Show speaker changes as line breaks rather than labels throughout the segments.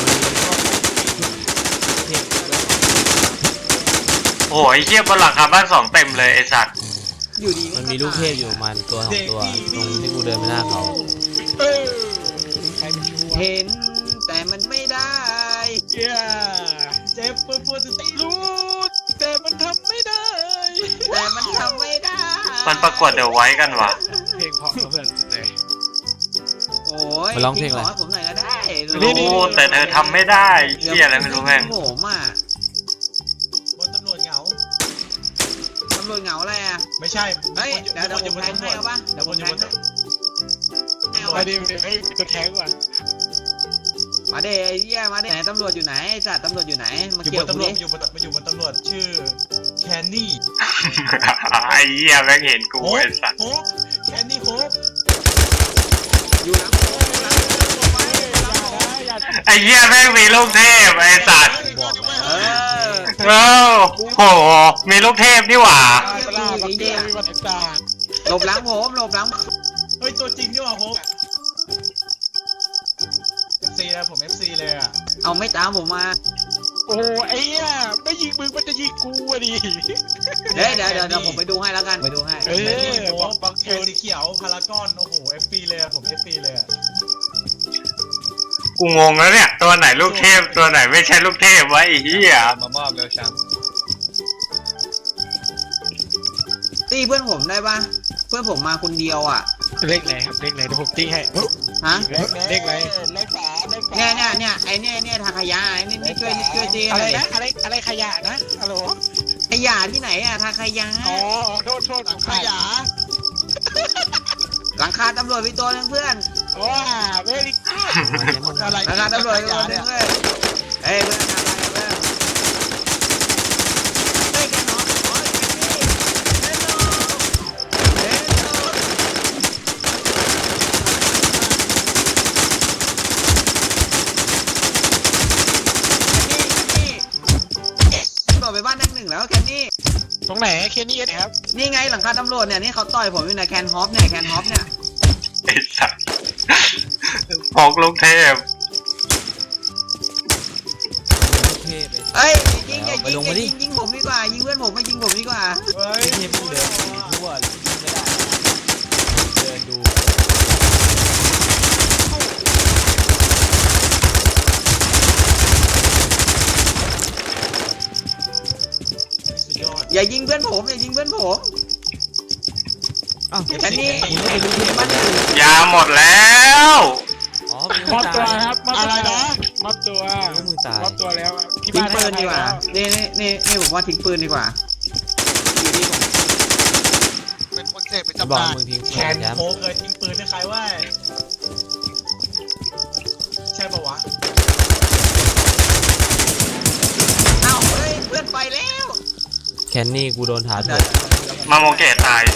โอ้ยเชี่ยบนหลังคาบ้าน2เต็มเลยไอ้สัตว์
อยู่ดี
มันมีลูกเทพอยู่มันตัว2ตัวตรงที่กูเดินไปหน้าเขา
เห็นแต่มันไม่ได้
เจ็บปวดรู้แต่มันทำไม่ได้
มันประกวดเดี๋ยวไว้กันวะ
เพลงเพราะเพื่อนเลย
โอ้ย
มาร้องเพลงอะไร
ผมหน่อยก็ได้
รู้แต่เธอทำไม่ได้เชี่ยอะไรไม่รู้แม่ง
ผมอ่ะ
บนตำรวจเหงา
อะไรอ่ะ
ไม่ใช่
เฮ้ยเดี๋ยวผมแทงให้เอาป่ะเดี๋ยวผมแทง
ไปดิให้ตัวแทงก่อน
มาเดไอ้เหี้ยมาเดไหนตำรวจอยู่ไหนจัดตำรวจอยู่ไหนมาเกี่ยวกูดิ
อยู่บนตำรวจชื่อแคนนี่
ไอ้เหี้ยแม่งเห็นกูไอ้สัตว์
แคนนี่โคบ
อยู่หลัง
ไอ้เหี้ยแม่งมีลูกเทพไอ้สัตว์โอ้โหมีลูกเทพนี่หว่า
หลบหลังผม
เฮ้ยตัวจริงนี่หว่าผมFC นะผม FC เลยอ่ะ
เอาไม่ตามผมมา
โอ้ไอ้เนี่ยไม่ยิงมึงมันจะยิงกูอ่ะดิ
เดี๋ยวผมไปดูให้แล้วกันไปดูให้
บังเกลสีเขียวพารากอนโอ้โห FC เลยผม FC เลย
กูงงแล้วเนี่ยตัวไหนลูกเทพตัวไหนไม่ใช่ลูกเทพวะไอ้เหี้ย
มามอบแล้วช้ำ
ตีเพื่อนผมได้ป่ะเพื่อนผมมาคนเดียวอ่ะ
เลขไหนครับเลขไหนเดี๋ยวผมตีให้
ฮะ
เลขไหน
เนี่ยไอ้เนี่ยทางขยะไอ้นี่ช่วยตี
อะไรนะอะไรขยะนะฮัลโหล
ขยะที่ไหนอ่ะทางขยะ
อ๋อโทษขยะ
หลังคาตำรวจมีตัวนึงเพื่อน
ว้าเวลิกูด
หลังคาตำรวจมีตัวนึงเลยเฮ้ยเพื่อนทำอะไรเพื่อนเฮ้ยแกน้องไปบ้านนั่งหนึ่งแล้วแคนนี่
ตรงไหนแคนนี่ครับ
นี่ไงหลังคาตำรวจเนี่ยนี่เขาต่อยผมอยู่ในแคนฮอปเนี่ย
ไอ้สัสพกลูกเทพ
เอ้ยยิงผมดีกว่ายิงเพื่อนผมไม่ยิงผมดีกว่า
เฮ้ย
เทพมึงเดินทั่วไม่ได้เดินดู
อย่ายิงเพื่อนผมแค่นี้
ยาหมดแล้ว
มอบตัวครับอะไรนะมอบตัวแล้ว
ทิ้งปืนดีกว่านี่ผมว่าทิ้งปืนดีกว่า
เป็นคนเสพเป็นจำนานแคนโค้งเลยทิ้งปืนให้ใครว่าใช่ปะวะ
เอ้าเฮ้ยเพื่อนไปแล้ว
แคนนี่กูโดนถาโถม
มาโมเกตตาย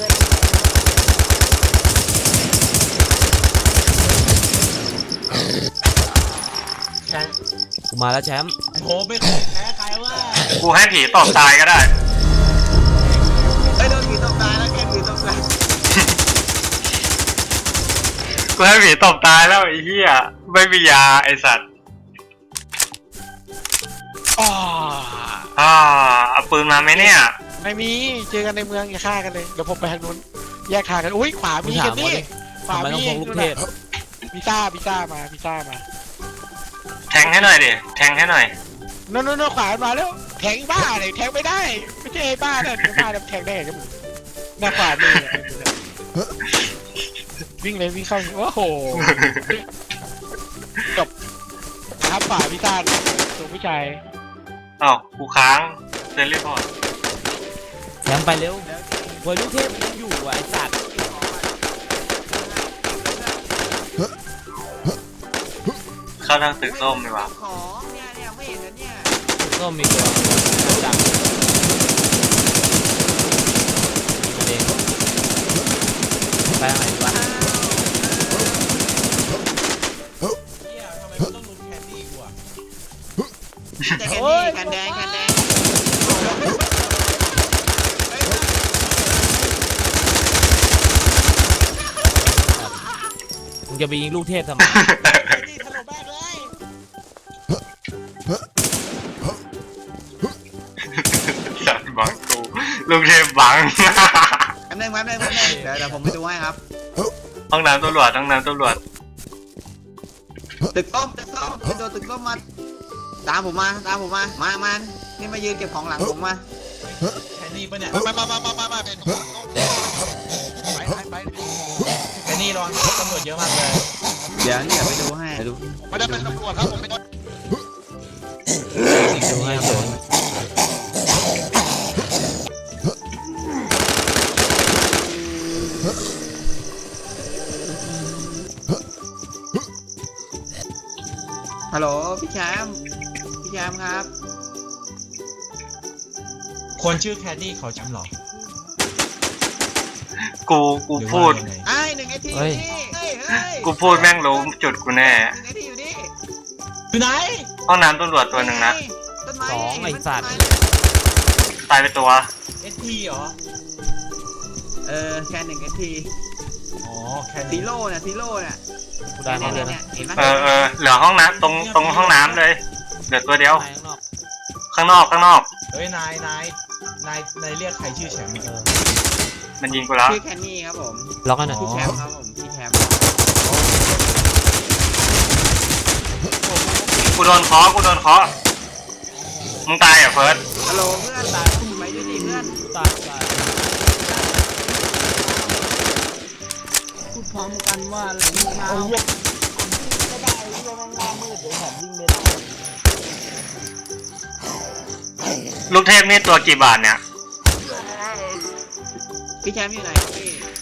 กูมาแล้วแชมป์
โหไม่แพ้ใครว่า
กูให้ผีตบตายก็ได้
โดนผีตบตายแล้วแกผีตบตาย
กูให้ผีตบตายแล้วไอ้เหี้ยไม่มียาไอ้สัตว์เอาปืนมาไหมเนี่ย
ไม่มีเจอกันในเมืองอย่าฆ่ากันเลยเดี๋ยวผมไปทางนู้นแยกทางกันอุ้ยขวามีกันนี่
ขวามีลูกเทพ
พิซ่ามา
แทงให้หน่อยดิแทงให้หน่อย
โน่นขวามาแล้วแทงบ้าเลยแทงไม่ได้ไม่ใช่บ้านะบ้าแทงได้กันหน้าขวามือวิ่งเลยวิ่งเข้าโอ้โหจบครับขวาพิซ่าตัวผู้ชาย
กูค้างเซนรีพอร์ต
แชมป์ไปเร็วโวยลูกเทพยังอยู่ไอ้สัตว์
เข้าทางตึกส้มดีกว่า
ของเนี่ยไม่เห็นนะเนี่ย
ตึกส้มมีตัวจังประเด็นไปทางไหนดีวะ
ทำไมต้องลุมแคนดี้กูอ่ะ
แคนแดง
มึงจะไปยิงลูกเทพทำไม
ลูกเทพบัง
แป๊บนึงเดี๋ยวผมไปดูให้ครับ
ห้องน้ำตำรวจห้องน้ำตำรวจ
ตึกต้มโดนตึกต้มมาตามผมมามานี่มายืนเก็บของหลังผมมา
แค่นี้ปะเนี่ย
มาเป็น
ไปแค่นี้รอนตำรวจเยอะมากเลย
เดี๋ยวนี่เดี๋ยวไปดูให้
ไม่ได้เป็นตำรวจครับผมเป็น
ดูให้เฉยฮัลโหลพี่แชมป์ครับ
คนชื่อแคดดี้เขาจำหรอ
กูพูด
ไอ้หนึ่งไอทีอยู่นี่เฮ้ย
กูพูดแม่งรู้จุดกูแน่
หนึ่งไอทีอยู่นี่
อยู่ไหน
ห้องน้ำตำรวจตัวหนึ่งนะ
ต้นไม้
สองไอ้สัตว์
ตายไปตัว
ST เหรอ
แค่หนึ่งไอที
อ๋อแค่
ซี
นี้
โร่เนี่ย
กูได้มาเลยนะ
เห็นไหม
เหลือห้องน้ำตรงห้องน้ำเลย เหลือตัวเดียว
ข้างนอก
ข้างนอก
เฮ้ยนายเรียกใครชื่อแชมป์
มันยิงกูแล้ว
ชื่อแคนนี่ครับผม
ล็อกกันหน่อย
พี่แชมป์ครับผมพี่แชมป์
กูโดนเคาะมึงตายเหรอเฟิร์ส
ฮัลโหลเพื่อนตายคุณไปด้วยดิเพื่อน
ตาย
พูดพร้อมกันว่าอะไรนี่มา
ลูกเทพนี่ตัวกี่บาทเนี่ย
พี่แชมป์อยู่ไหนพี่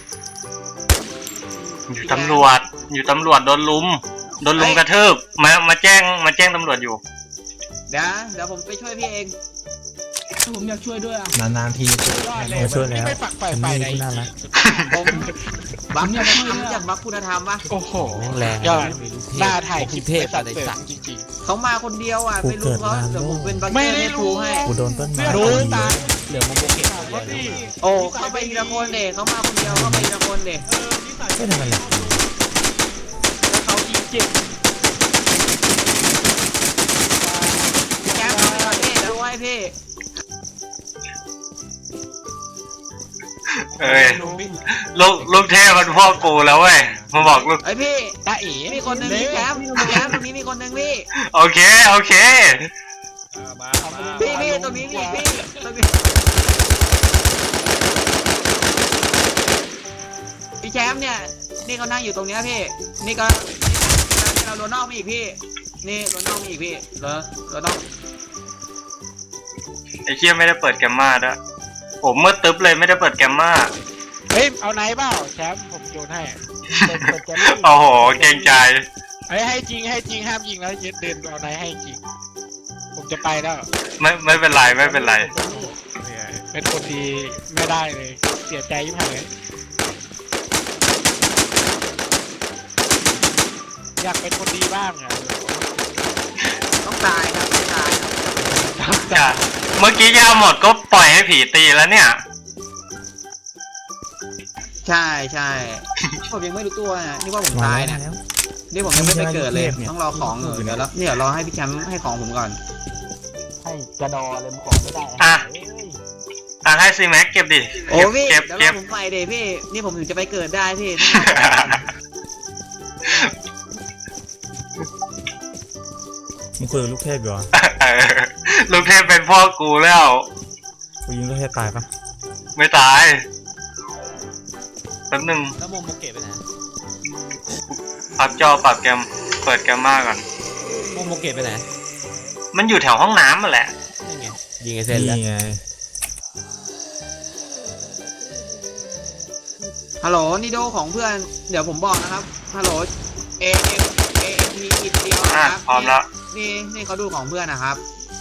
อยู่ตำรวจโดนลุมกระทืบมาแจ้งตำรวจอยู่
เดี๋ยวผมไปช่วยพี่เองผมอยากช่วยด้วยอ่ะ
นานๆที
มาช่วยแล้วไม่ฝักไฟไหน
ผมบังอยากบักคุณธรรมปะ
โอ้โห
แม่งแรง
ยอดหน้าถ่ายคลิป
เทพ
สั
อะ
ต
ไร
ว์เสริ
สั
ม
ตว์
จริง
เขามาคนเดียวอ่ะไม่รู้เขาเดี๋ยวผมเป็นบัง
ไม่
เกอร์
ได้
ให้
รู้
ทูให้
กูโดนต้นไม้
รู้ตาย
เหลือโมโมเกะ
ๆว่าพี่
โอ้เข้าไปทีละคนเด็เขามาคนเดียวเข้าไปทีละคนเด็
ไม่ทำอะไร
แล้วเขายิงเจ็บ
พี่แชมป์เอาไปก่อนพี่เดี๋ยวดูให้พี่
เอ้ยลูกเทพมันพ่อกูแล้วเว้ยมาบอกลูก
ไอพี่
ตาเอ๋
มีคนหนึ่งพี่แชมป์ตรงนี้มีคนหนึ่งพี่
โอเค
พี่ตรงนี้มีพี่ตรงนี้พี่แชมป์เนี่ยนี่เขานั่งอยู่ตรงเนี้ยพี่นี่ก็นี่เราโดนนอกมาอีกพี่นี่โดนนอกมาอีกพี่เราต้อง
ไอ้เชี่ยไม่ได้เปิดแกมมาด้วยผมมืดตึ๊บเลยไม่ได้เปิดแกมมา
เฮ้ยเอาไหนเปล่าแชมป์ผมโยนให้
โอ้โหเกรงใจ
เฮ้ยให้จริงห้ามยิงแล้วเดินเอาไหนให้จริงผมจะไปแล้ว
ไม่เป็นไร
เป็นคนดีไม่ได้เลยเสียใจยิ่งหายเลยอยากเป็นคนดีบ้างอ่ะ
ต้องตายครับต้องตายครับ
เมื่อกี้ยาหมดก็ปล่อยให้ผีตีแล้วเนี่ย
ใช่ผมยังไม่รู้ตัวนะนี่ว่าผม
มา
ตาย
แล้
นะ
ว
นี่ผมยังไม่ไปเกิดเลย
เนี่ย
ต้องรอของอยู่เดี๋ยวรอให้พี่แชมป์ให้ของผมก่อน
ให้กระดอเลยมันของไม่ได้
อ่ะ
เอ้ย
ให้ซีแม็กเก็บดิ
โอ้พี่
เก็บ
เดี๋ยวรอผมไปเดี๋ยวพี่นี่ผมถึงจะไปเกิดได้พี่
มึงคุยกับลูกเทพอยู่เหรอ
เออลูกเทพเป็นพ่อกูแล้ว
กูยิงลูกเทพตายปะ
ไม่ตายแป๊บนึง
แล้วโมโมเกะไปไหน
ปรับจอปรับแกมเปิดแกมมาก่อน
โมโมเกะไปไหน
มันอยู่แถวห้องน้ำมาแหละ
นี่ไงยิงไอเซนแล้ว
นี่ไง
ฮัลโหลนี่โดของเพื่อนเดี๋ยวผมบอกนะครับฮัลโหลเอพีอินเดียวนะครับ
พร้อมแล้ว
นี่เขาดูของเพื่อนนะครับ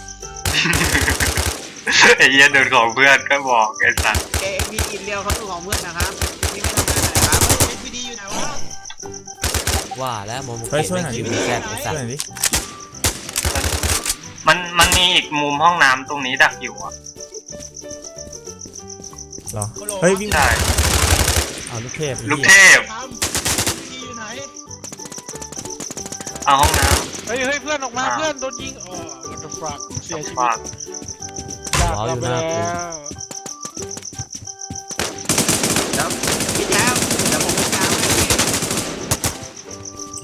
ไอ้เหี้ยเดินของเพื่อนก็บอกไอ้สัส
เอพีอินเดียวเขาดูของเพื่อนนะครับนี่ไม่ต้องการอะไรครับ
SPD อยู่ไหนวะ
ว่าแล้วโมโม
เฮ้ย
เกะ
ช่วยหน่อยดิ
ไม่
ช่
มี
วย
แซ
ห
ดไอสัต
น่อย
ว์
ดิ
มันมีอีกมุมห้องน้ำตรงนี้ดักอยู่อ่ะ
เหรอเฮ้ยวิ่ง
ใช่
เอาลูกเทพ
ลูกเทพ
ทำที่อยู่ไหน
เอาห้องน้
เฮ้ยเพื่อนออกมาเพื่อนโดนยิงอ๋อ what the fuck เสียชี
ำ
วิ
ฝา
ต
ก
จากเราไปแล้ว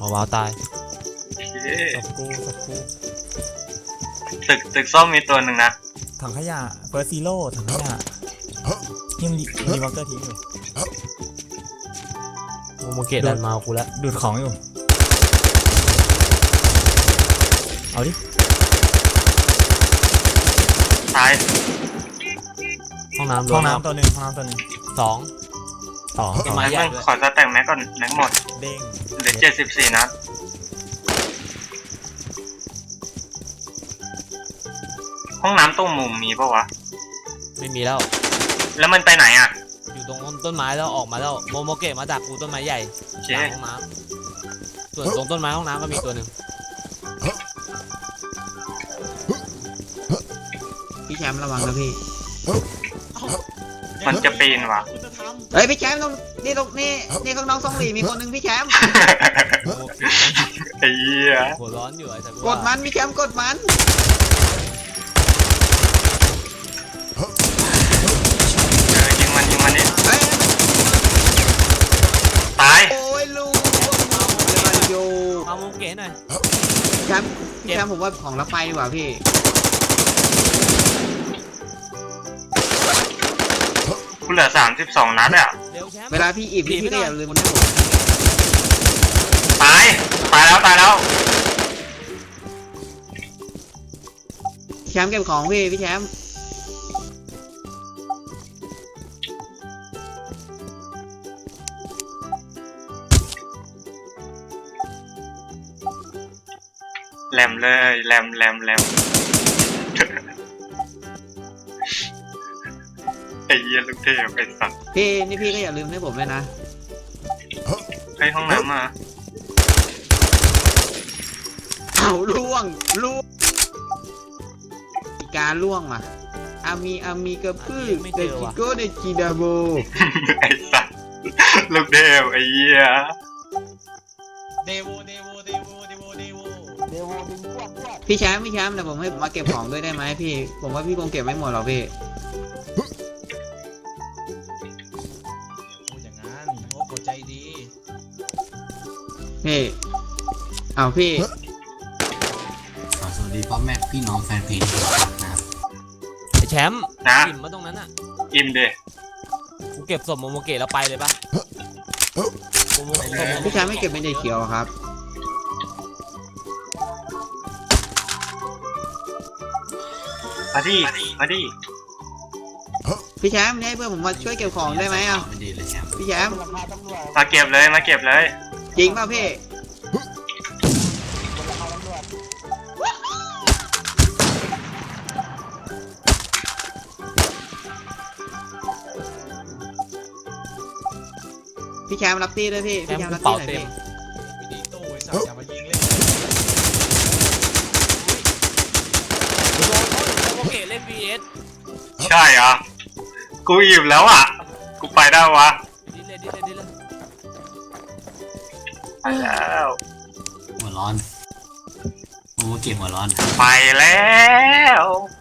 หัววาวตาย
เย้
สับกูสับกู
ตึกส้มมีตัวหนึ่งนะ
ถังขยะเฟิร์สซีโร่ถังขยะที่มันมีวอลเกอร์ทิ้งอยู่
โมเกตดันมาเอากูแล้ว
ดูดของอยู่เอาดิ
ตาย
ห้องน้ำ
ห้องน้ำตัวหนึ่งห้องน้ำตัวหนึ่ง
สอง
สอง
ต้นไม้
แม็ก
ใหญ่
มึง
ด้วย
ขอสแต็กแม็กก่อนแม็กหมด
เด้ง
เหลือ74นัดห้องน้ำตรงมุมมีปะวะ
ไม่มีแล้ว
แล้วมันไปไหนอ่ะ
อยู่ตรงต้นไม้แล้วออกมาแล้วโมเกตมาจากกูต้นไม้ใหญ่
โอเค
หลังห้องน้ำส่วนตรงต้นไม้ห้องน้ำก็มีตัวหนึ่ง
พี่แชมป์ระวังนะพี่
มันจะปีนว่ะ
เฮ้ยพี่แชมป์ตรงนี่ข้างนอกซ่องหลีมีคนหนึ่งพี่แชมป์
โมเกต
ไอ้เหี้ย
หัวร้อนอยู่ไอ้สัตว์
กดมันพี่แชมป์กดมัน
ยิงมันนี่
เฮ้ย
ตาย
โอ้ยลูกเลยมาโย
เอาโมเกตหน่อย
แชมป์ผมว่าของละไปดีกว่าพี่
กูเหลือ32นัดอ่ะ
เร็วแชมป์
เวลาพี่อิ่มพี่ก็อย่าลืมให้ผม
ตายแล้ว
แชมป์เก็บของพี่แชมป์
แหลมเลยแหลมไอ้เหี้ยลูกเทพไอ้สัตว์
พี่นี่พี่ก็อย่าลืมให้ผมด้วยนะ
ไปห้องน้ำมา
เอาล่วงการล่วงมาอามีกระพือเดจิโกเดจิดาโบ
ไอ้สัตว์ลูกเทพไอ้เหี้ย
เดโวดึงพวก
พี่แชมป์แต่ผมให้มาเก็บของด้วยได้ไหมพี่ ผมว่าพี่คงเก็บไม่หมดหรอกพี่
พูดอย่างนั้นโอ้โหใจดี
พี่เอาพี่
สวัสดีพ่อแม่พี่น้องแฟนเพลงทุกท่านนะครับ
ไอ้แชมป์
นะ
อิ่มมาตรงนั้นอ่ะ
อิ่มดิ
กูเก็บศพโมเกตแล้วไปเลยปะโมเกต
พี่แชมป์ไม่เก็บเป็นเด็กเขียวอะครับ
มาดิ
พี่แชมป์ให้เพื่อนผมมาช่วยเก็บของได้ไหมอ่ะ
ไม่ดีเลยแชมป์
พี่แชมป์
มาเก็บเลย
จริงป่ะพี่พี่แชมป์รับตีด้วยพี่
แช
พี่
ม
แช
ป์
มป์
กู
รับตี
เป่า
หน่อย
เต็ม
พี่
ไม่ดีตู้ไอ้สัตว์อย่ามายิงเล่น
โมเกตเล่น VS
ใช่เหรอกูอิ่มแล้วอ่ะกูไปได้วะ
ดิเลย
ไปแล้ว
หัวร้อนโอ้เก็บหัวร้อน
ไปแล้ว